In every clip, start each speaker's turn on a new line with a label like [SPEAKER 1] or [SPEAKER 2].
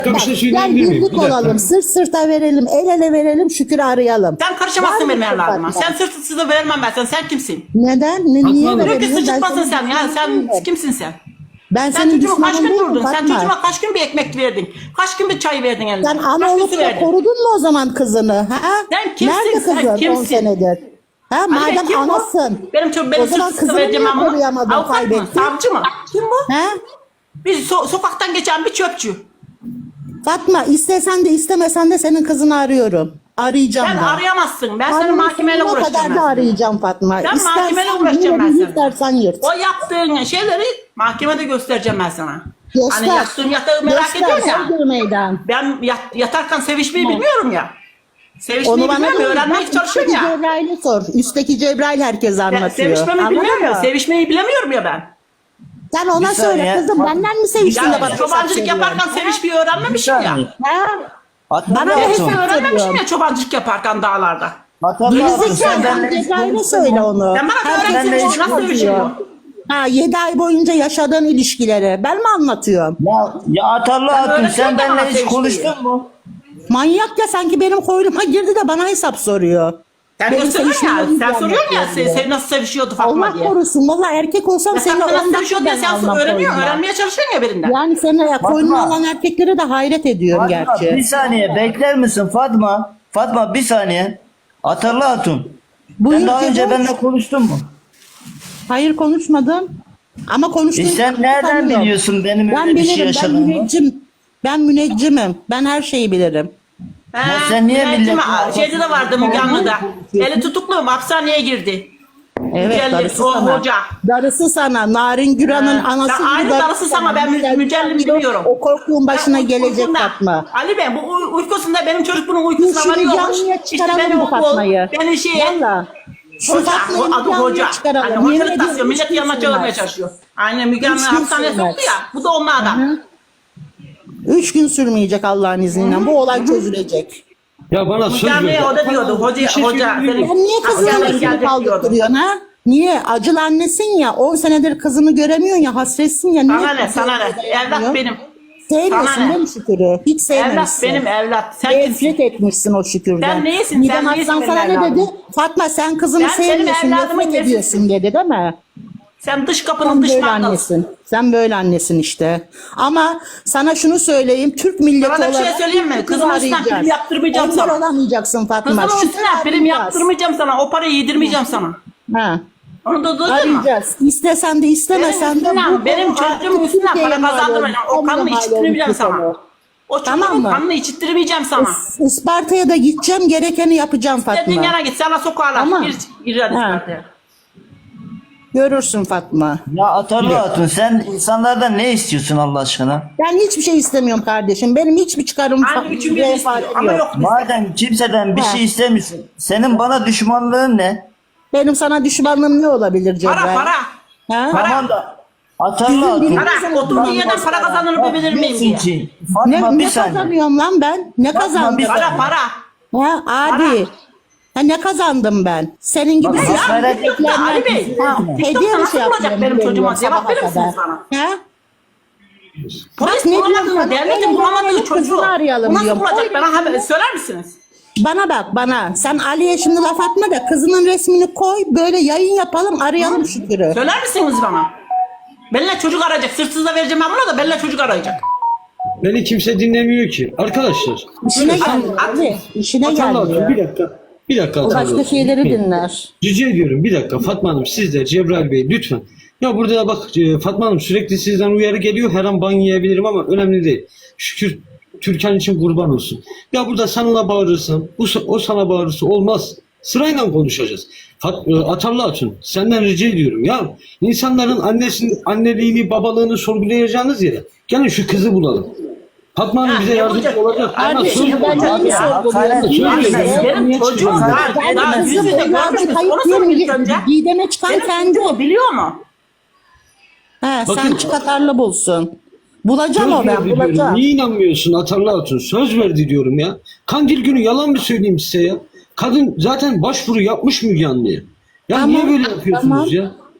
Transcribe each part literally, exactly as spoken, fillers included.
[SPEAKER 1] Bir
[SPEAKER 2] Bak,
[SPEAKER 1] şey
[SPEAKER 2] gel
[SPEAKER 1] söyleyebilir miyim?
[SPEAKER 2] birlik
[SPEAKER 1] Bir dakika.
[SPEAKER 2] olalım, sırt sırta verelim, el ele verelim, Şükür'ü arayalım.
[SPEAKER 3] Sen karışamazsın
[SPEAKER 2] Var
[SPEAKER 3] benim
[SPEAKER 2] mısın
[SPEAKER 3] evladıma.
[SPEAKER 2] Fatma?
[SPEAKER 3] Sen sırtsızı vermem ben sana. Sen kimsin?
[SPEAKER 2] Neden? Ne,
[SPEAKER 1] Fatma
[SPEAKER 2] niye
[SPEAKER 1] Hanım.
[SPEAKER 3] Diyor ki
[SPEAKER 2] veremiyorum? Ben
[SPEAKER 3] sıçıtmasın
[SPEAKER 2] senin
[SPEAKER 3] sen. Ya
[SPEAKER 2] düşmanın
[SPEAKER 3] sen
[SPEAKER 2] değilim.
[SPEAKER 3] kimsin sen?
[SPEAKER 2] Ben
[SPEAKER 3] Sen
[SPEAKER 2] senin
[SPEAKER 3] çocuğuma kaç
[SPEAKER 2] düşmanın
[SPEAKER 3] gün
[SPEAKER 2] değilim
[SPEAKER 3] durdun? Sen
[SPEAKER 2] Fatma.
[SPEAKER 3] çocuğuma kaç gün bir ekmek verdin? Kaç gün bir çay verdin eline?
[SPEAKER 2] Sen ana
[SPEAKER 3] Kaç gün
[SPEAKER 2] olup
[SPEAKER 3] su
[SPEAKER 2] da
[SPEAKER 3] verdin?
[SPEAKER 2] korudun mu o zaman kızını? Ha?
[SPEAKER 3] Sen kimsin?
[SPEAKER 2] Nerede
[SPEAKER 3] Sen
[SPEAKER 2] kızın on
[SPEAKER 3] kimsin?
[SPEAKER 2] senedir? Ha,
[SPEAKER 3] Anne,
[SPEAKER 2] madem
[SPEAKER 3] kim bu?
[SPEAKER 2] anasın.
[SPEAKER 3] Benim çok
[SPEAKER 2] O
[SPEAKER 3] benim
[SPEAKER 2] zaman
[SPEAKER 3] sırtsızı
[SPEAKER 2] kızını
[SPEAKER 3] vereceğim
[SPEAKER 2] niye
[SPEAKER 3] ben bunu.
[SPEAKER 2] koruyamadın,
[SPEAKER 3] Avukat mı?
[SPEAKER 2] kaybettin?
[SPEAKER 3] Savcı mı? Kim bu?
[SPEAKER 2] Ha?
[SPEAKER 3] Bir so- sokaktan geçen bir çöpçü.
[SPEAKER 2] Fatma, istesen de istemesen de senin kızını arıyorum. Arayacağım
[SPEAKER 3] Sen
[SPEAKER 2] ben.
[SPEAKER 3] arayamazsın. Ben senin
[SPEAKER 2] Karnımın
[SPEAKER 3] mahkemeyle
[SPEAKER 2] sonuna
[SPEAKER 3] uğraşacağım.
[SPEAKER 2] kadar
[SPEAKER 3] Ben
[SPEAKER 2] da
[SPEAKER 3] seni.
[SPEAKER 2] arayacağım Fatma.
[SPEAKER 3] Sen
[SPEAKER 2] İstersen
[SPEAKER 3] mahkemeyle uğraşacağım ben
[SPEAKER 2] yürü,
[SPEAKER 3] seninle.
[SPEAKER 2] istersen yırt.
[SPEAKER 3] O yaptığın şeyleri mahkemede göstereceğim ben sana.
[SPEAKER 2] Göster.
[SPEAKER 3] Hani yattığın yatağı merak
[SPEAKER 2] Göster,
[SPEAKER 3] ediyorsun ya.
[SPEAKER 2] Göster meydan.
[SPEAKER 3] Ben yat- yatarken sevişmeyi
[SPEAKER 2] Tamam.
[SPEAKER 3] bilmiyorum ya. Sevişmeyi
[SPEAKER 2] Onu bana
[SPEAKER 3] bilmiyorum,
[SPEAKER 2] değil,
[SPEAKER 3] öğrenmeye
[SPEAKER 2] bak,
[SPEAKER 3] çalışıyorum
[SPEAKER 2] üstteki
[SPEAKER 3] ya.
[SPEAKER 2] Cebrail'e sor. Üstteki Cebrail herkes
[SPEAKER 3] Ben
[SPEAKER 2] anlatıyor.
[SPEAKER 3] sevişmemi
[SPEAKER 2] Anladın
[SPEAKER 3] bilmiyorum ya.
[SPEAKER 2] mı?
[SPEAKER 3] Sevişmeyi bilemiyorum ya ben.
[SPEAKER 2] Sen ona
[SPEAKER 4] Bir
[SPEAKER 2] söyle
[SPEAKER 4] saniye.
[SPEAKER 2] kızım, benden mi seviştin de
[SPEAKER 3] Yani
[SPEAKER 2] bana hesap
[SPEAKER 3] çobancılık
[SPEAKER 2] soruyorsun?
[SPEAKER 3] yaparken sevişmeyi öğrenmemişim ya.
[SPEAKER 4] saniye.
[SPEAKER 2] Ha?
[SPEAKER 4] Hatırla
[SPEAKER 2] Bana ne
[SPEAKER 4] Hatun.
[SPEAKER 2] hesap-
[SPEAKER 3] Öğrenmemişim
[SPEAKER 2] soruyorum.
[SPEAKER 3] ya çobancılık yaparken dağlarda.
[SPEAKER 4] Hatırla Hatun. Sen
[SPEAKER 2] Gerizekalı,
[SPEAKER 4] benimle
[SPEAKER 2] Cebrail'e söyle onu.
[SPEAKER 3] Sen bana
[SPEAKER 2] Herkes
[SPEAKER 3] öğrensin
[SPEAKER 4] benimle
[SPEAKER 3] o
[SPEAKER 4] hiç
[SPEAKER 3] nasıl
[SPEAKER 2] konuşuyor.
[SPEAKER 3] sevişiyor?
[SPEAKER 2] Ha, yedi ay boyunca yaşadığın ilişkileri. Ben mi anlatıyorum?
[SPEAKER 4] Ya, ya Hatırla Hatun
[SPEAKER 3] öğretmen
[SPEAKER 4] sen
[SPEAKER 3] de
[SPEAKER 4] benimle
[SPEAKER 3] bana
[SPEAKER 4] hiç
[SPEAKER 3] sevişmeyi.
[SPEAKER 4] konuştun mu?
[SPEAKER 2] Manyak ya, sanki benim koynuma girdi de bana hesap soruyor.
[SPEAKER 3] Sen
[SPEAKER 2] Benim
[SPEAKER 3] gösteriyorsun ya.
[SPEAKER 2] sevişmemi
[SPEAKER 3] Sen soruyorsun ya.
[SPEAKER 2] bilmiyorum
[SPEAKER 3] Sen, sen nasıl sevişiyordu Fatma
[SPEAKER 2] Allah
[SPEAKER 3] diye.
[SPEAKER 2] korusun. Valla erkek olsam
[SPEAKER 3] Ya sen
[SPEAKER 2] seni
[SPEAKER 3] nasıl
[SPEAKER 2] on
[SPEAKER 3] sevişiyordu diye
[SPEAKER 2] dakika ben
[SPEAKER 3] sen
[SPEAKER 2] almam
[SPEAKER 3] öğreniyorsun.
[SPEAKER 2] koynuma.
[SPEAKER 3] Öğrenmeye çalışıyorsun ya birinden.
[SPEAKER 2] Yani seni koynuma
[SPEAKER 4] Fatma.
[SPEAKER 2] alan erkeklere de hayret ediyorum
[SPEAKER 4] Fatma bir
[SPEAKER 2] gerçi.
[SPEAKER 4] saniye bekler misin Fatma? Fatma bir saniye. Hatırla Hatun.
[SPEAKER 2] Buyur
[SPEAKER 4] Sen daha önce
[SPEAKER 2] Cebrail.
[SPEAKER 4] benimle konuştun mu?
[SPEAKER 2] Hayır, konuşmadım. Ama konuştuğum
[SPEAKER 4] E sen nereden biliyorsun benim
[SPEAKER 2] Ben
[SPEAKER 4] öyle bir şey
[SPEAKER 2] bilirim, ben
[SPEAKER 4] yaşadığımı?
[SPEAKER 2] müneccim. Ben müneccimim. Ben her şeyi bilirim.
[SPEAKER 3] He,
[SPEAKER 4] Ya sen niye
[SPEAKER 3] Müneccim-
[SPEAKER 4] milletin
[SPEAKER 3] Şeyde de vardı Müge Anlı'da. Eli tutuklu hapishaneye girdi.
[SPEAKER 2] Evet,
[SPEAKER 3] Mücellim,
[SPEAKER 2] darısı
[SPEAKER 3] o
[SPEAKER 2] sana.
[SPEAKER 3] hoca.
[SPEAKER 2] Darısı sana. Narin Güran'ın
[SPEAKER 3] Ha,
[SPEAKER 2] anası
[SPEAKER 3] sen
[SPEAKER 2] gibi
[SPEAKER 3] aynı darısı sana, ben
[SPEAKER 2] Mücellim
[SPEAKER 3] mücellim
[SPEAKER 2] biliyor.
[SPEAKER 3] biliyorum.
[SPEAKER 2] O korkuğun başına
[SPEAKER 3] Ben uy-
[SPEAKER 2] gelecek
[SPEAKER 3] uykunda-
[SPEAKER 2] Fatma.
[SPEAKER 3] Ali Bey bu uy- uykusunda benim çocuk bunun
[SPEAKER 2] Dur,
[SPEAKER 3] uykusuna
[SPEAKER 2] şunu
[SPEAKER 3] varıyormuş.
[SPEAKER 2] canlıya
[SPEAKER 3] İşte
[SPEAKER 2] çıkaralım
[SPEAKER 3] beni
[SPEAKER 2] bu
[SPEAKER 3] o-
[SPEAKER 2] Fatma'yı.
[SPEAKER 3] Beni şey
[SPEAKER 2] Valla. Şu
[SPEAKER 3] hoca,
[SPEAKER 2] Fatma'yı
[SPEAKER 3] o adı
[SPEAKER 2] canlıya
[SPEAKER 3] hoca.
[SPEAKER 2] çıkaralım.
[SPEAKER 3] Hani
[SPEAKER 2] Yemin
[SPEAKER 3] hocalık
[SPEAKER 2] ediyorum,
[SPEAKER 3] tasıyor. Millet
[SPEAKER 2] hiç
[SPEAKER 3] yanına
[SPEAKER 2] kimse
[SPEAKER 3] çağırmaya
[SPEAKER 2] bilmez.
[SPEAKER 3] çalışıyor. Aynen Müge Anlı
[SPEAKER 2] Hiç kimse
[SPEAKER 3] hapishaneye
[SPEAKER 2] bilmez.
[SPEAKER 3] soktu ya. Bu da onlardan.
[SPEAKER 2] Hı. Üç gün sürmeyecek Allah'ın izniyle. Bu olay çözülecek.
[SPEAKER 1] Ya bana söz
[SPEAKER 3] Müge Anlı'ya
[SPEAKER 1] ver.
[SPEAKER 3] o da diyordu. Hoca,
[SPEAKER 1] Bir şey
[SPEAKER 3] hoca.
[SPEAKER 1] söyleyebilir miyim?
[SPEAKER 2] Sen niye kızının
[SPEAKER 3] hapishaneye
[SPEAKER 2] resmini
[SPEAKER 3] gelecek diyordu.
[SPEAKER 2] kaldırtıyorsun ha? Niye? Acılı annesin ya. on senedir kızını göremiyorsun ya. Hasretsin ya. Niye
[SPEAKER 3] Sana ne sana ne?
[SPEAKER 2] kızını
[SPEAKER 3] Evlat
[SPEAKER 2] göremiyorsun?
[SPEAKER 3] benim.
[SPEAKER 2] Sevmiyorsun
[SPEAKER 3] Sana ne?
[SPEAKER 2] değil mi Şükür'ü? Hiç
[SPEAKER 3] Evlat
[SPEAKER 2] sevmemişsin.
[SPEAKER 3] benim evlat. Sen kimsin?
[SPEAKER 2] Nefret etmişsin o Şükür'den.
[SPEAKER 3] Sen neyisin?
[SPEAKER 2] Midem
[SPEAKER 3] Sen neyisin
[SPEAKER 2] Aslan
[SPEAKER 3] benim
[SPEAKER 2] sana ne
[SPEAKER 3] evladım?
[SPEAKER 2] dedi? Fatma sen kızını
[SPEAKER 3] Ben senin
[SPEAKER 2] sevmiyorsun,
[SPEAKER 3] evladımın
[SPEAKER 2] nefret
[SPEAKER 3] nesisin?
[SPEAKER 2] ediyorsun dedi değil mi?
[SPEAKER 3] Sen dış kapının
[SPEAKER 2] Sen
[SPEAKER 3] dış
[SPEAKER 2] böyle
[SPEAKER 3] mandalısın.
[SPEAKER 2] annesin. Sen böyle annesin işte. Ama sana şunu söyleyeyim. Türk milleti
[SPEAKER 3] Sana da bir şey
[SPEAKER 2] olarak
[SPEAKER 3] söyleyeyim mi?
[SPEAKER 2] Şükür'ü
[SPEAKER 3] Kızımın üstünden
[SPEAKER 2] arayacağız.
[SPEAKER 3] prim yaptırmayacağım
[SPEAKER 2] Engel
[SPEAKER 3] sana.
[SPEAKER 2] olamayacaksın Fatma.
[SPEAKER 3] Kızımın
[SPEAKER 2] Şükür'ü
[SPEAKER 3] üstüne prim
[SPEAKER 2] arayacağız.
[SPEAKER 3] yaptırmayacağım sana. O parayı yedirmeyeceğim sana.
[SPEAKER 2] Ha.
[SPEAKER 3] Onu da duydun mu?
[SPEAKER 2] Arayacağız. İstesen de
[SPEAKER 3] Benim
[SPEAKER 2] istemesen de
[SPEAKER 3] üstünden,
[SPEAKER 2] bu
[SPEAKER 3] benim
[SPEAKER 2] konu
[SPEAKER 3] çocuğumun
[SPEAKER 2] artık
[SPEAKER 3] üstünden para
[SPEAKER 2] Türkiye'ye mal
[SPEAKER 3] kazandırmayacağım. O
[SPEAKER 2] olmuş,
[SPEAKER 3] kanını
[SPEAKER 2] mal
[SPEAKER 3] içittirmeyeceğim
[SPEAKER 2] olmuş bir
[SPEAKER 3] sana.
[SPEAKER 2] konu.
[SPEAKER 3] O
[SPEAKER 2] Tamam
[SPEAKER 3] çocuğun
[SPEAKER 2] mı?
[SPEAKER 3] kanını içittirmeyeceğim sana.
[SPEAKER 2] Isparta'ya da gideceğim, gerekeni yapacağım
[SPEAKER 3] Dediğin
[SPEAKER 2] Fatma.
[SPEAKER 3] yana git. Sana sokarlar.
[SPEAKER 2] Tamam.
[SPEAKER 3] Bir, bir hadi
[SPEAKER 2] Ha.
[SPEAKER 3] Isparta'ya.
[SPEAKER 2] Görürsün Fatma.
[SPEAKER 4] Ya Hatırla Hatun sen insanlardan ne istiyorsun Allah aşkına?
[SPEAKER 2] Ben hiçbir şey istemiyorum kardeşim. Benim hiçbir çıkarım
[SPEAKER 3] Aynı üçün birini istiyor
[SPEAKER 2] menfaatim
[SPEAKER 3] ama
[SPEAKER 2] yok.
[SPEAKER 3] yok bizde.
[SPEAKER 4] Madem kimseden bir
[SPEAKER 2] Ha.
[SPEAKER 4] şey istemiyorsun. Senin bana düşmanlığın ne?
[SPEAKER 2] Benim sana düşmanlığım ne olabilir Cebrail?
[SPEAKER 3] Para para.
[SPEAKER 2] Ha?
[SPEAKER 3] Para.
[SPEAKER 4] Tamam da Hatırla Hatun.
[SPEAKER 3] Para. Oturduğun yerden para kazanır bilir miyim
[SPEAKER 4] Diyorsun
[SPEAKER 3] diye.
[SPEAKER 4] ki
[SPEAKER 2] Ne,
[SPEAKER 4] Fatma bir
[SPEAKER 2] ne
[SPEAKER 4] saniye.
[SPEAKER 2] kazanıyorum lan ben? Ne kazandım?
[SPEAKER 4] bir
[SPEAKER 3] Para para.
[SPEAKER 2] Ha, abi. Ha, ne kazandım ben? Senin gibi
[SPEAKER 4] Bak,
[SPEAKER 2] suç
[SPEAKER 4] bak,
[SPEAKER 2] bekleyenler-
[SPEAKER 3] Ali Bey.
[SPEAKER 2] Ha, hediye mi
[SPEAKER 3] Nasıl
[SPEAKER 2] şey
[SPEAKER 3] olacak
[SPEAKER 2] yapıyorum?
[SPEAKER 3] benim çocuğuma?
[SPEAKER 2] veriyorum
[SPEAKER 3] Cevap
[SPEAKER 2] sabaha
[SPEAKER 3] verir misiniz
[SPEAKER 2] kadar?
[SPEAKER 3] bana?
[SPEAKER 2] Ha?
[SPEAKER 3] Polis
[SPEAKER 2] ne
[SPEAKER 3] bulamadığını,
[SPEAKER 2] diyorum sana?
[SPEAKER 3] devletin
[SPEAKER 2] Öyle
[SPEAKER 3] bulamadığı
[SPEAKER 2] demeyelim,
[SPEAKER 3] çocuğu.
[SPEAKER 2] kızını arayalım
[SPEAKER 3] Bu nasıl
[SPEAKER 2] diyorum.
[SPEAKER 3] bulacak?
[SPEAKER 2] Öyle
[SPEAKER 3] Bana haber, söyler misiniz?
[SPEAKER 2] Bana bak bana. Sen Ali'ye şimdi laf atma da kızının resmini koy. Böyle yayın yapalım, arayalım Şükür'ü.
[SPEAKER 3] Söyler misiniz bana? Benimle çocuk arayacak. Sırtsız da vereceğim ben buna da benimle çocuk arayacak.
[SPEAKER 1] Beni kimse dinlemiyor ki. Arkadaşlar.
[SPEAKER 2] İşine
[SPEAKER 3] At-
[SPEAKER 2] gelmiyor
[SPEAKER 3] at-
[SPEAKER 2] Ali. İşine
[SPEAKER 1] Hatırla bir
[SPEAKER 2] gelmiyor.
[SPEAKER 1] dakika. Bir dakika
[SPEAKER 2] O başka
[SPEAKER 1] hatırla.
[SPEAKER 2] şeyleri dinler.
[SPEAKER 1] Rica ediyorum bir dakika Fatma Hanım siz de Cebrail Bey lütfen. Ya burada da bak e, Fatma Hanım sürekli sizden uyarı geliyor. Her an ban yiyebilirim ama önemli değil. Şükür Türkan için kurban olsun. Ya burada sana bağırırsan o, o sana bağırırsa olmaz. Sırayla konuşacağız. Fat, e, Atarlı Hatun senden rica ediyorum ya. İnsanların annesinin anneliğini babalığını sorgulayacağınız yere gelin şu kızı bulalım. Fatma Hanım
[SPEAKER 3] Ha,
[SPEAKER 1] bize
[SPEAKER 3] ne
[SPEAKER 1] yardımcı
[SPEAKER 3] olacak?
[SPEAKER 1] olacak. Ama
[SPEAKER 2] Kardeşim
[SPEAKER 1] söz
[SPEAKER 2] ben
[SPEAKER 1] olacak.
[SPEAKER 2] neyi
[SPEAKER 4] Ya,
[SPEAKER 2] sorguluyorum?
[SPEAKER 4] hakaret
[SPEAKER 2] Söyle
[SPEAKER 4] etme.
[SPEAKER 2] ya.
[SPEAKER 3] Benim çocuğum daha,
[SPEAKER 2] Ben
[SPEAKER 3] daha yüz
[SPEAKER 2] kızım
[SPEAKER 3] yüze görmüş
[SPEAKER 2] evladım
[SPEAKER 3] müsün?
[SPEAKER 2] kayıp
[SPEAKER 3] Onu sorun ilk önce.
[SPEAKER 2] diye Didem'e çıkan
[SPEAKER 3] Benim
[SPEAKER 2] kendi.
[SPEAKER 3] çocuğum biliyor mu?
[SPEAKER 2] He, sen
[SPEAKER 1] Bakın-
[SPEAKER 2] çıkatarlı bulsun. Bulacağım
[SPEAKER 1] Söz
[SPEAKER 2] o ben
[SPEAKER 1] verdi diyorum.
[SPEAKER 2] bulacağım.
[SPEAKER 1] Niye inanmıyorsun Atarlı Hatun? Söz verdi diyorum ya. Kandil günü yalan mı söyleyeyim size ya? Kadın zaten başvuru yapmış Müge Anlı'ya. Ya
[SPEAKER 2] Tamam,
[SPEAKER 1] niye böyle yapıyorsunuz
[SPEAKER 2] tamam.
[SPEAKER 1] ya?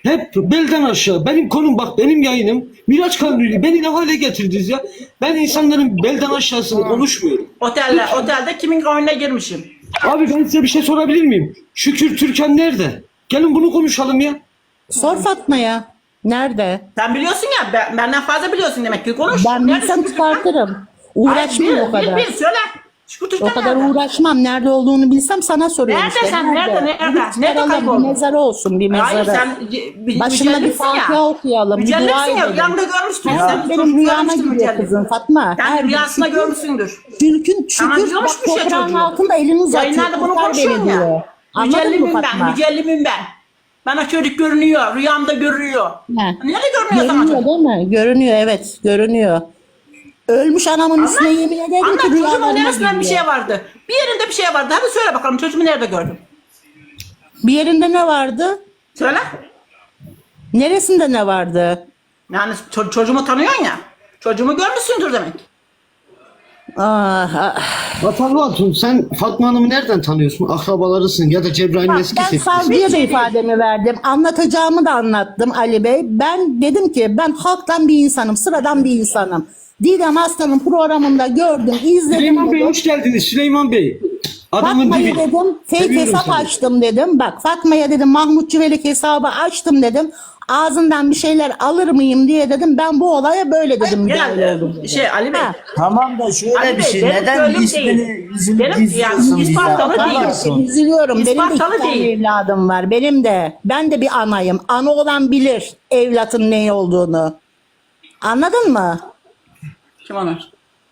[SPEAKER 1] Hep belden aşağı. Benim konum bak, benim yayınım. Miraç Kanuni beni ne hale getirdiniz ya? Ben insanların belden aşağısını konuşmuyorum.
[SPEAKER 3] Otelde, otelde kimin oyununa girmişim?
[SPEAKER 1] Abi ben size bir şey sorabilir miyim? Şükür Türkan nerede? Gelin bunu konuşalım ya.
[SPEAKER 2] Sor Fatma'ya. Nerede?
[SPEAKER 3] Sen biliyorsun ya, ben, benden fazla biliyorsun demek ki, konuş.
[SPEAKER 2] Ben
[SPEAKER 3] Nerede
[SPEAKER 2] bilsem
[SPEAKER 3] Şükrü Türkan?
[SPEAKER 2] çıkartırım.
[SPEAKER 3] Hayır,
[SPEAKER 2] Uğraşmam
[SPEAKER 3] bil,
[SPEAKER 2] o kadar.
[SPEAKER 3] Bil, bil, söyle. Şükrü Türkan
[SPEAKER 2] O kadar
[SPEAKER 3] nerede?
[SPEAKER 2] uğraşmam. Nerede olduğunu bilsem sana soruyorum
[SPEAKER 3] Nerede
[SPEAKER 2] işte.
[SPEAKER 3] sen? Nerede? Nerede?
[SPEAKER 2] Bir
[SPEAKER 3] Nerede
[SPEAKER 2] çıkaralım,
[SPEAKER 3] kayboldun?
[SPEAKER 2] bir mezarı olsun, bir mezarı.
[SPEAKER 3] Hayır sen bir,
[SPEAKER 2] Başına bir
[SPEAKER 3] mücellimsin
[SPEAKER 2] Fatiha
[SPEAKER 3] ya.
[SPEAKER 2] okuyalım, bir dua
[SPEAKER 3] Mücellimsin ya,
[SPEAKER 2] edelim.
[SPEAKER 3] rüyamda görmüştün.
[SPEAKER 2] Her
[SPEAKER 3] Sen
[SPEAKER 2] benim
[SPEAKER 3] çocuk
[SPEAKER 2] rüyama
[SPEAKER 3] görmüştün
[SPEAKER 2] giriyor
[SPEAKER 3] mücellim.
[SPEAKER 2] kızım Fatma.
[SPEAKER 3] Sen
[SPEAKER 2] Her
[SPEAKER 3] rüyasında
[SPEAKER 2] bir-
[SPEAKER 3] görmüşsündür.
[SPEAKER 2] Türkün
[SPEAKER 3] Ama
[SPEAKER 2] şükür
[SPEAKER 3] biliyormuş
[SPEAKER 2] bak
[SPEAKER 3] bir şey
[SPEAKER 2] toprağın
[SPEAKER 3] çocuğu.
[SPEAKER 2] altında elini uzatıyor.
[SPEAKER 3] Yayınlarda bunu
[SPEAKER 2] kurtar
[SPEAKER 3] konuşuyorsun
[SPEAKER 2] beni diyor.
[SPEAKER 3] ya.
[SPEAKER 2] Anladın mı
[SPEAKER 3] Mücellimim ben,
[SPEAKER 2] Fatma?
[SPEAKER 3] mücellimim ben. Bana çocuk görünüyor, rüyamda görünüyor.
[SPEAKER 2] He.
[SPEAKER 3] Nerede görünüyor sana
[SPEAKER 2] Görünüyor
[SPEAKER 3] çocuk?
[SPEAKER 2] değil mi? Görünüyor, evet, görünüyor. Ölmüş anamın üstüne yemin ederim
[SPEAKER 3] Anlat,
[SPEAKER 2] ki
[SPEAKER 3] çocuğumun
[SPEAKER 2] rüyalarına
[SPEAKER 3] neresinden bir
[SPEAKER 2] giriyor.
[SPEAKER 3] şey vardı. Bir yerinde bir şey vardı. Hadi söyle bakalım, çocuğumu nerede gördün?
[SPEAKER 2] Bir yerinde ne vardı?
[SPEAKER 3] Söyle.
[SPEAKER 2] Neresinde ne vardı?
[SPEAKER 3] Yani ço- çocuğumu tanıyorsun ya. Çocuğumu görmüşsündür demek.
[SPEAKER 2] Ah, ah.
[SPEAKER 1] Vatanlı Hatun, sen Fatma Hanım'ı nereden tanıyorsun? Akrabalarısın ya da Cebrail'in
[SPEAKER 2] Bak,
[SPEAKER 1] eski
[SPEAKER 2] ben
[SPEAKER 1] sevgilisi.
[SPEAKER 2] savcıya da
[SPEAKER 3] şey
[SPEAKER 2] ifademi verdim. Anlatacağımı da anlattım Ali Bey. Ben dedim ki ben halktan bir insanım, sıradan bir insanım. Didem Aslan'ın programında gördüm, izledim.
[SPEAKER 1] Süleyman Bey
[SPEAKER 2] dedim.
[SPEAKER 1] hoş geldiniz Süleyman Bey. Adamın
[SPEAKER 2] Fatma'ya
[SPEAKER 1] dibi.
[SPEAKER 2] dedim fake
[SPEAKER 1] Seviyorum
[SPEAKER 2] hesap
[SPEAKER 1] seni.
[SPEAKER 2] açtım dedim. Bak Fatma'ya dedim Mahmut Çivelik hesabı açtım dedim. Ağzından bir şeyler alır mıyım diye dedim. Ben bu olaya böyle dedim. müdahale
[SPEAKER 3] Yani
[SPEAKER 2] oldum dedim.
[SPEAKER 3] şey Ali Bey.
[SPEAKER 2] Ha.
[SPEAKER 4] Tamam da şöyle
[SPEAKER 3] Ali
[SPEAKER 4] bir
[SPEAKER 3] Bey,
[SPEAKER 4] şey.
[SPEAKER 3] benim
[SPEAKER 4] Neden
[SPEAKER 3] gönlüm
[SPEAKER 4] ismini
[SPEAKER 3] değil.
[SPEAKER 4] yüzünü
[SPEAKER 3] Benim-
[SPEAKER 4] gizliyorsun
[SPEAKER 3] yani
[SPEAKER 4] bize?
[SPEAKER 3] ispatlalı değil.
[SPEAKER 4] Atamazsın.
[SPEAKER 2] Üzülüyorum. Benim de iki
[SPEAKER 3] İspatlalı
[SPEAKER 2] tane
[SPEAKER 3] değil.
[SPEAKER 2] evladım var. Benim de. Ben de bir anayım. Ana olan bilir evlatın ne olduğunu. Anladın mı?
[SPEAKER 3] Kim onlar?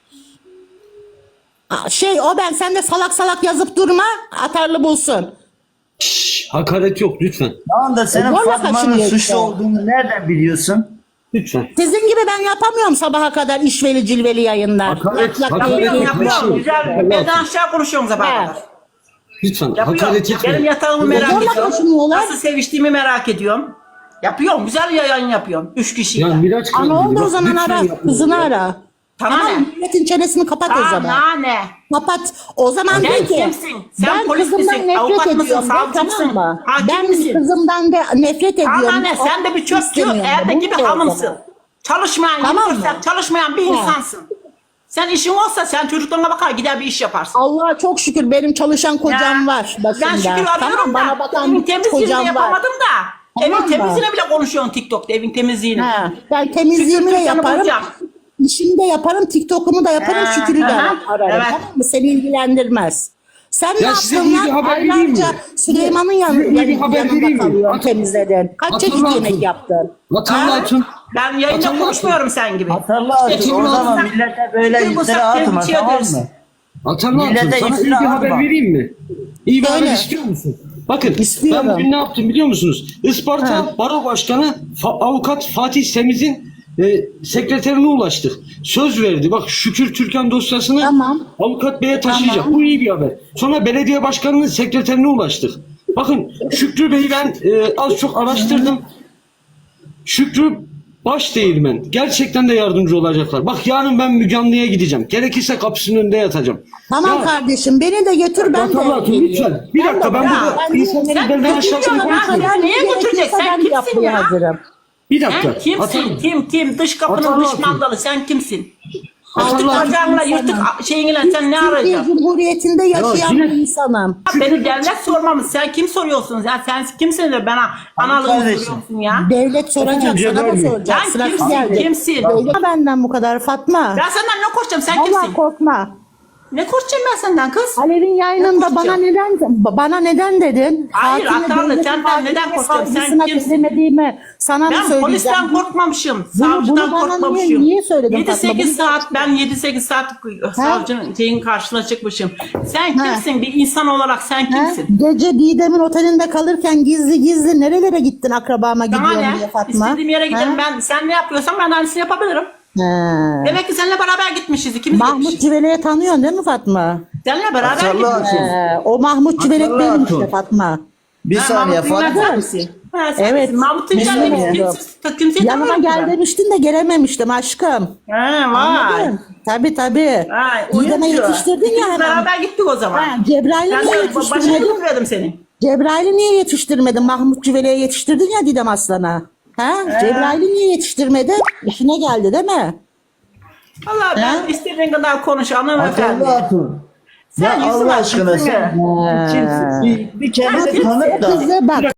[SPEAKER 2] Aa, Şey o ben sen de salak salak yazıp durma. Atarlı bulsun.
[SPEAKER 1] Şşş, hakaret yok lütfen.
[SPEAKER 4] Tamam da senin
[SPEAKER 2] E, zorla
[SPEAKER 4] Fatma'nın
[SPEAKER 2] kaçınıyor
[SPEAKER 4] suçlu
[SPEAKER 2] işte.
[SPEAKER 4] olduğunu nereden biliyorsun?
[SPEAKER 1] Lütfen.
[SPEAKER 2] Sizin gibi ben yapamıyorum sabaha kadar işveli cilveli yayınlar.
[SPEAKER 1] Hakaret-
[SPEAKER 2] Lak lak
[SPEAKER 1] hakaret
[SPEAKER 2] diye
[SPEAKER 1] yok.
[SPEAKER 3] Yapıyorum,
[SPEAKER 2] yapıyorum.
[SPEAKER 3] yapıyorum. Güzel. Beden aşağı konuşuyorum
[SPEAKER 2] He.
[SPEAKER 3] sabah kadar.
[SPEAKER 1] Lütfen
[SPEAKER 3] Yapıyorum.
[SPEAKER 1] hakaret
[SPEAKER 3] Benim
[SPEAKER 1] etmeyin.
[SPEAKER 3] yatağımı merak
[SPEAKER 2] Zorla
[SPEAKER 3] ediyorum.
[SPEAKER 2] kaçınıyorlar.
[SPEAKER 3] Nasıl seviştiğimi merak ediyorum. Yapıyorum. Güzel yayın yapıyorum. Üç kişiyle.
[SPEAKER 1] Ya Miraç
[SPEAKER 2] Ana
[SPEAKER 1] Kanuni,
[SPEAKER 2] oldu o
[SPEAKER 1] bak,
[SPEAKER 2] zaman
[SPEAKER 1] lütfen
[SPEAKER 2] ara.
[SPEAKER 1] yapmayın
[SPEAKER 2] Kızını
[SPEAKER 1] ya.
[SPEAKER 2] ara.
[SPEAKER 3] Sana
[SPEAKER 2] Tamam
[SPEAKER 3] ne?
[SPEAKER 2] milletin çenesini kapat o zaman.
[SPEAKER 3] Sana ne?
[SPEAKER 2] Kapat. O zaman
[SPEAKER 3] Sen
[SPEAKER 2] de ki
[SPEAKER 3] kimsin? Sen
[SPEAKER 2] ben
[SPEAKER 3] polis
[SPEAKER 2] kızımdan
[SPEAKER 3] misin?
[SPEAKER 2] nefret
[SPEAKER 3] Avukat mısın?
[SPEAKER 2] ediyorum. de,
[SPEAKER 3] Savcı mısın?
[SPEAKER 2] Tamam mı?
[SPEAKER 3] Hakim
[SPEAKER 2] Ben
[SPEAKER 3] misin?
[SPEAKER 2] kızımdan da nefret ediyorum.
[SPEAKER 3] Sana ne? Sen de bir çöpçü,
[SPEAKER 2] İstemiyorum.
[SPEAKER 3] erdeki
[SPEAKER 2] Bunu
[SPEAKER 3] bir
[SPEAKER 2] de o
[SPEAKER 3] hanımsın.
[SPEAKER 2] zaman.
[SPEAKER 3] Çalışmayan,
[SPEAKER 2] Tamam
[SPEAKER 3] yirmi dört
[SPEAKER 2] mı?
[SPEAKER 3] saat çalışmayan bir
[SPEAKER 2] Ha.
[SPEAKER 3] insansın. Sen işin olsa sen çocuklarına bakar gider bir iş yaparsın.
[SPEAKER 2] Allah'a çok şükür benim çalışan kocam
[SPEAKER 3] Ya,
[SPEAKER 2] var başında.
[SPEAKER 3] Ben şükür arıyorum
[SPEAKER 2] Tamam,
[SPEAKER 3] da.
[SPEAKER 2] bana bakan
[SPEAKER 3] evin
[SPEAKER 2] bir
[SPEAKER 3] temizliğini de
[SPEAKER 2] kocam var.
[SPEAKER 3] yapamadım da.
[SPEAKER 2] Tamam
[SPEAKER 3] evin
[SPEAKER 2] mı?
[SPEAKER 3] temizliğine bile konuşuyorsun TikTok'ta, evin temizliğini.
[SPEAKER 2] Ha, ben temizliğimi de
[SPEAKER 3] Şükür Türkan'ı
[SPEAKER 2] yaparım.
[SPEAKER 3] bulacağım.
[SPEAKER 2] İşimi de yaparım, TikTok'umu da yaparım,
[SPEAKER 3] Ha,
[SPEAKER 2] şükürü de
[SPEAKER 3] aha,
[SPEAKER 2] ararım.
[SPEAKER 3] evet.
[SPEAKER 2] Tamam mı? Seni ilgilendirmez. Sen ne
[SPEAKER 1] Ya size
[SPEAKER 2] yaptın
[SPEAKER 1] iyi bir
[SPEAKER 2] lan?
[SPEAKER 1] haber vereyim
[SPEAKER 2] Aylarca
[SPEAKER 1] mi?
[SPEAKER 2] Süleyman'ın
[SPEAKER 1] Size
[SPEAKER 2] yanı,
[SPEAKER 1] iyi bir
[SPEAKER 2] yanı,
[SPEAKER 1] haber
[SPEAKER 2] yanında
[SPEAKER 1] vereyim mi?
[SPEAKER 2] kalıyorsun,
[SPEAKER 1] Atın-
[SPEAKER 2] temizledin. Kaç
[SPEAKER 1] Atın
[SPEAKER 2] çeşit
[SPEAKER 1] lan
[SPEAKER 2] yemek
[SPEAKER 1] atın.
[SPEAKER 2] yaptın?
[SPEAKER 1] Vatanlı
[SPEAKER 3] Ha?
[SPEAKER 1] Hatun.
[SPEAKER 3] Ben yayında
[SPEAKER 1] Hatırla-
[SPEAKER 3] konuşmuyorum sen gibi.
[SPEAKER 4] Hatırla artık
[SPEAKER 3] İşte
[SPEAKER 4] o
[SPEAKER 3] şimdi
[SPEAKER 4] zaman
[SPEAKER 3] sen-
[SPEAKER 4] millete böyle
[SPEAKER 3] Şimdi bu
[SPEAKER 4] iftira
[SPEAKER 3] sen
[SPEAKER 4] atma
[SPEAKER 3] temizliğe
[SPEAKER 4] tamam
[SPEAKER 3] dersin.
[SPEAKER 4] mı?
[SPEAKER 1] Vatanlı Hatun,
[SPEAKER 4] Millete
[SPEAKER 1] sana iyi
[SPEAKER 4] iftira
[SPEAKER 1] bir haber
[SPEAKER 4] atma.
[SPEAKER 1] vereyim mi? İyi bir
[SPEAKER 2] Söyle.
[SPEAKER 1] haber istiyor musun? Bakın
[SPEAKER 2] İstiyorum.
[SPEAKER 1] ben bugün ne yaptım biliyor musunuz? Isparta
[SPEAKER 2] Ha.
[SPEAKER 1] Baro Başkanı Fa- Avukat Fatih Semiz'in e, sekreterine ulaştık. Söz verdi. Bak Şükür Türkan dosyasını
[SPEAKER 2] Tamam.
[SPEAKER 1] Avukat Bey'e taşıyacak.
[SPEAKER 2] Tamam.
[SPEAKER 1] Bu iyi bir haber. Sonra belediye başkanının sekreterine ulaştık. Bakın Şükrü Bey'i ben e, az çok araştırdım. Şükrü baş değirmen. Gerçekten de yardımcı olacaklar. Bak yarın ben Müge Anlı'ya gideceğim. Gerekirse kapısının önünde yatacağım.
[SPEAKER 2] Tamam
[SPEAKER 1] Ya,
[SPEAKER 2] kardeşim, beni de götür, ben de.
[SPEAKER 1] Vatanlı Hatun lütfen. Bir dakika ben
[SPEAKER 3] Ya,
[SPEAKER 1] burada
[SPEAKER 2] ben-
[SPEAKER 1] insanların
[SPEAKER 3] sen
[SPEAKER 1] belden aşağısını
[SPEAKER 3] götürüyorsun ha.
[SPEAKER 1] konuşmuyorum.
[SPEAKER 3] Ya niye götürecek? Sen
[SPEAKER 2] Ben
[SPEAKER 3] kimsin
[SPEAKER 2] yapmaya
[SPEAKER 3] ya?
[SPEAKER 2] hazırım.
[SPEAKER 1] Bir
[SPEAKER 3] Sen
[SPEAKER 1] dakika.
[SPEAKER 3] kimsin?
[SPEAKER 1] Vatanlı-
[SPEAKER 3] Kim kim? Dış kapının
[SPEAKER 1] Vatanlı
[SPEAKER 3] dış
[SPEAKER 1] Hatun.
[SPEAKER 3] mandalı. Sen kimsin?
[SPEAKER 1] Vatanlı
[SPEAKER 3] Altı
[SPEAKER 1] Hatun.
[SPEAKER 3] bacağınla yırtık şeyinle sen ne
[SPEAKER 2] Türkiye
[SPEAKER 3] arayacaksın?
[SPEAKER 2] Cumhuriyeti'nde yaşayan
[SPEAKER 1] yine-
[SPEAKER 2] bir insanım.
[SPEAKER 3] Ha, beni devlet sormamış. Sen kim soruyorsun? Ya sen kimsin de bana analığımı
[SPEAKER 4] kardeşim.
[SPEAKER 3] soruyorsun ya?
[SPEAKER 2] Devlet soracak, sana da
[SPEAKER 1] Cebrail.
[SPEAKER 2] soracak.
[SPEAKER 3] Sen
[SPEAKER 2] Sırası
[SPEAKER 3] kimsin?
[SPEAKER 2] geldi.
[SPEAKER 3] Kimsin?
[SPEAKER 2] Devlet benden bu kadar Fatma.
[SPEAKER 3] Ben senden ne korkacağım? Sen
[SPEAKER 2] Vallahi
[SPEAKER 3] kimsin?
[SPEAKER 2] korkma.
[SPEAKER 3] Ne korkacağım ben senden kız?
[SPEAKER 2] Alev'in yayınında
[SPEAKER 3] Ne
[SPEAKER 2] bana
[SPEAKER 3] korkacağım?
[SPEAKER 2] neden bana neden dedin?
[SPEAKER 3] Hayır,
[SPEAKER 2] Hakime,
[SPEAKER 3] Atanlı,
[SPEAKER 2] devletin
[SPEAKER 3] senden
[SPEAKER 2] hakime,
[SPEAKER 3] neden korkacağım? Sen
[SPEAKER 2] savcısına
[SPEAKER 3] kimsin?
[SPEAKER 2] demediğimi sana mı
[SPEAKER 3] Ben
[SPEAKER 2] söyleyeceğim?
[SPEAKER 3] polisten korkmamışım.
[SPEAKER 2] Bunu-
[SPEAKER 3] Savcıdan
[SPEAKER 2] bunu bana
[SPEAKER 3] korkmamışım.
[SPEAKER 2] niye- niye söyledin
[SPEAKER 3] yedi
[SPEAKER 2] Fatma?
[SPEAKER 3] sekiz
[SPEAKER 2] Bunu-
[SPEAKER 3] saat ben yedi sekiz saat savcının şeyin karşısına çıkmışım. Sen kimsin? Bir insan olarak sen
[SPEAKER 2] He?
[SPEAKER 3] kimsin?
[SPEAKER 2] Gece Didem'in otelinde kalırken gizli gizli nerelere gittin akrabama
[SPEAKER 3] Sana
[SPEAKER 2] gidiyorum
[SPEAKER 3] ne?
[SPEAKER 2] diye Fatma?
[SPEAKER 3] İstediğim yere giderim.
[SPEAKER 2] He?
[SPEAKER 3] Ben sen ne yapıyorsan ben de aynısını yapabilirim.
[SPEAKER 2] He.
[SPEAKER 3] Demek ki seninle beraber gitmişiz. İkimiz
[SPEAKER 2] Mahmut
[SPEAKER 3] gitmişiz.
[SPEAKER 2] Civele'yi tanıyorsun değil mi Fatma?
[SPEAKER 3] Seninle beraber
[SPEAKER 4] Hatırla
[SPEAKER 3] gitmişiz.
[SPEAKER 4] Hatun.
[SPEAKER 2] He, o Mahmut Civelek
[SPEAKER 4] Hatırla
[SPEAKER 2] benim
[SPEAKER 4] Hatun.
[SPEAKER 2] işte Fatma.
[SPEAKER 4] Bir
[SPEAKER 3] Ha,
[SPEAKER 4] saniye
[SPEAKER 3] Mahmut Ünver
[SPEAKER 4] Fatma.
[SPEAKER 3] sen misin? Ha, sen
[SPEAKER 2] Evet.
[SPEAKER 3] misin? Mahmut Ünver
[SPEAKER 2] Bilmiyorum.
[SPEAKER 3] demiş. Kimse, kimseyi
[SPEAKER 2] Yanıma
[SPEAKER 3] tanımıyorum
[SPEAKER 2] gel
[SPEAKER 3] ben.
[SPEAKER 2] demiştin de gelememiştim aşkım.
[SPEAKER 3] Ha, vay.
[SPEAKER 2] Anladın? Tabii tabii.
[SPEAKER 3] Vay.
[SPEAKER 2] Didem'e
[SPEAKER 3] oyuncu.
[SPEAKER 2] yetiştirdin ya
[SPEAKER 3] İkimiz
[SPEAKER 2] hemen.
[SPEAKER 3] beraber gittik o zaman.
[SPEAKER 2] Ha, Cebrail'e
[SPEAKER 3] Ben
[SPEAKER 2] niye
[SPEAKER 3] de başına
[SPEAKER 2] yetiştirmedin?
[SPEAKER 3] götürüyordum seni.
[SPEAKER 2] Cebrail'i niye yetiştirmedin? Mahmut Cüvele'ye yetiştirdin ya Didem Aslan'a. Ha? Cebrail'i niye yetiştirmedin? İşine geldi değil mi?
[SPEAKER 3] Valla ben istediğin kadar konuş hanımefendi.
[SPEAKER 4] Akıllı hatun.
[SPEAKER 3] Sen
[SPEAKER 4] Ya
[SPEAKER 3] yüzün
[SPEAKER 4] Allah
[SPEAKER 3] açıksın
[SPEAKER 4] aşkına
[SPEAKER 3] ya.
[SPEAKER 4] sen kimsin? Bir, bir kendini tanıt da.
[SPEAKER 2] Kızı bak.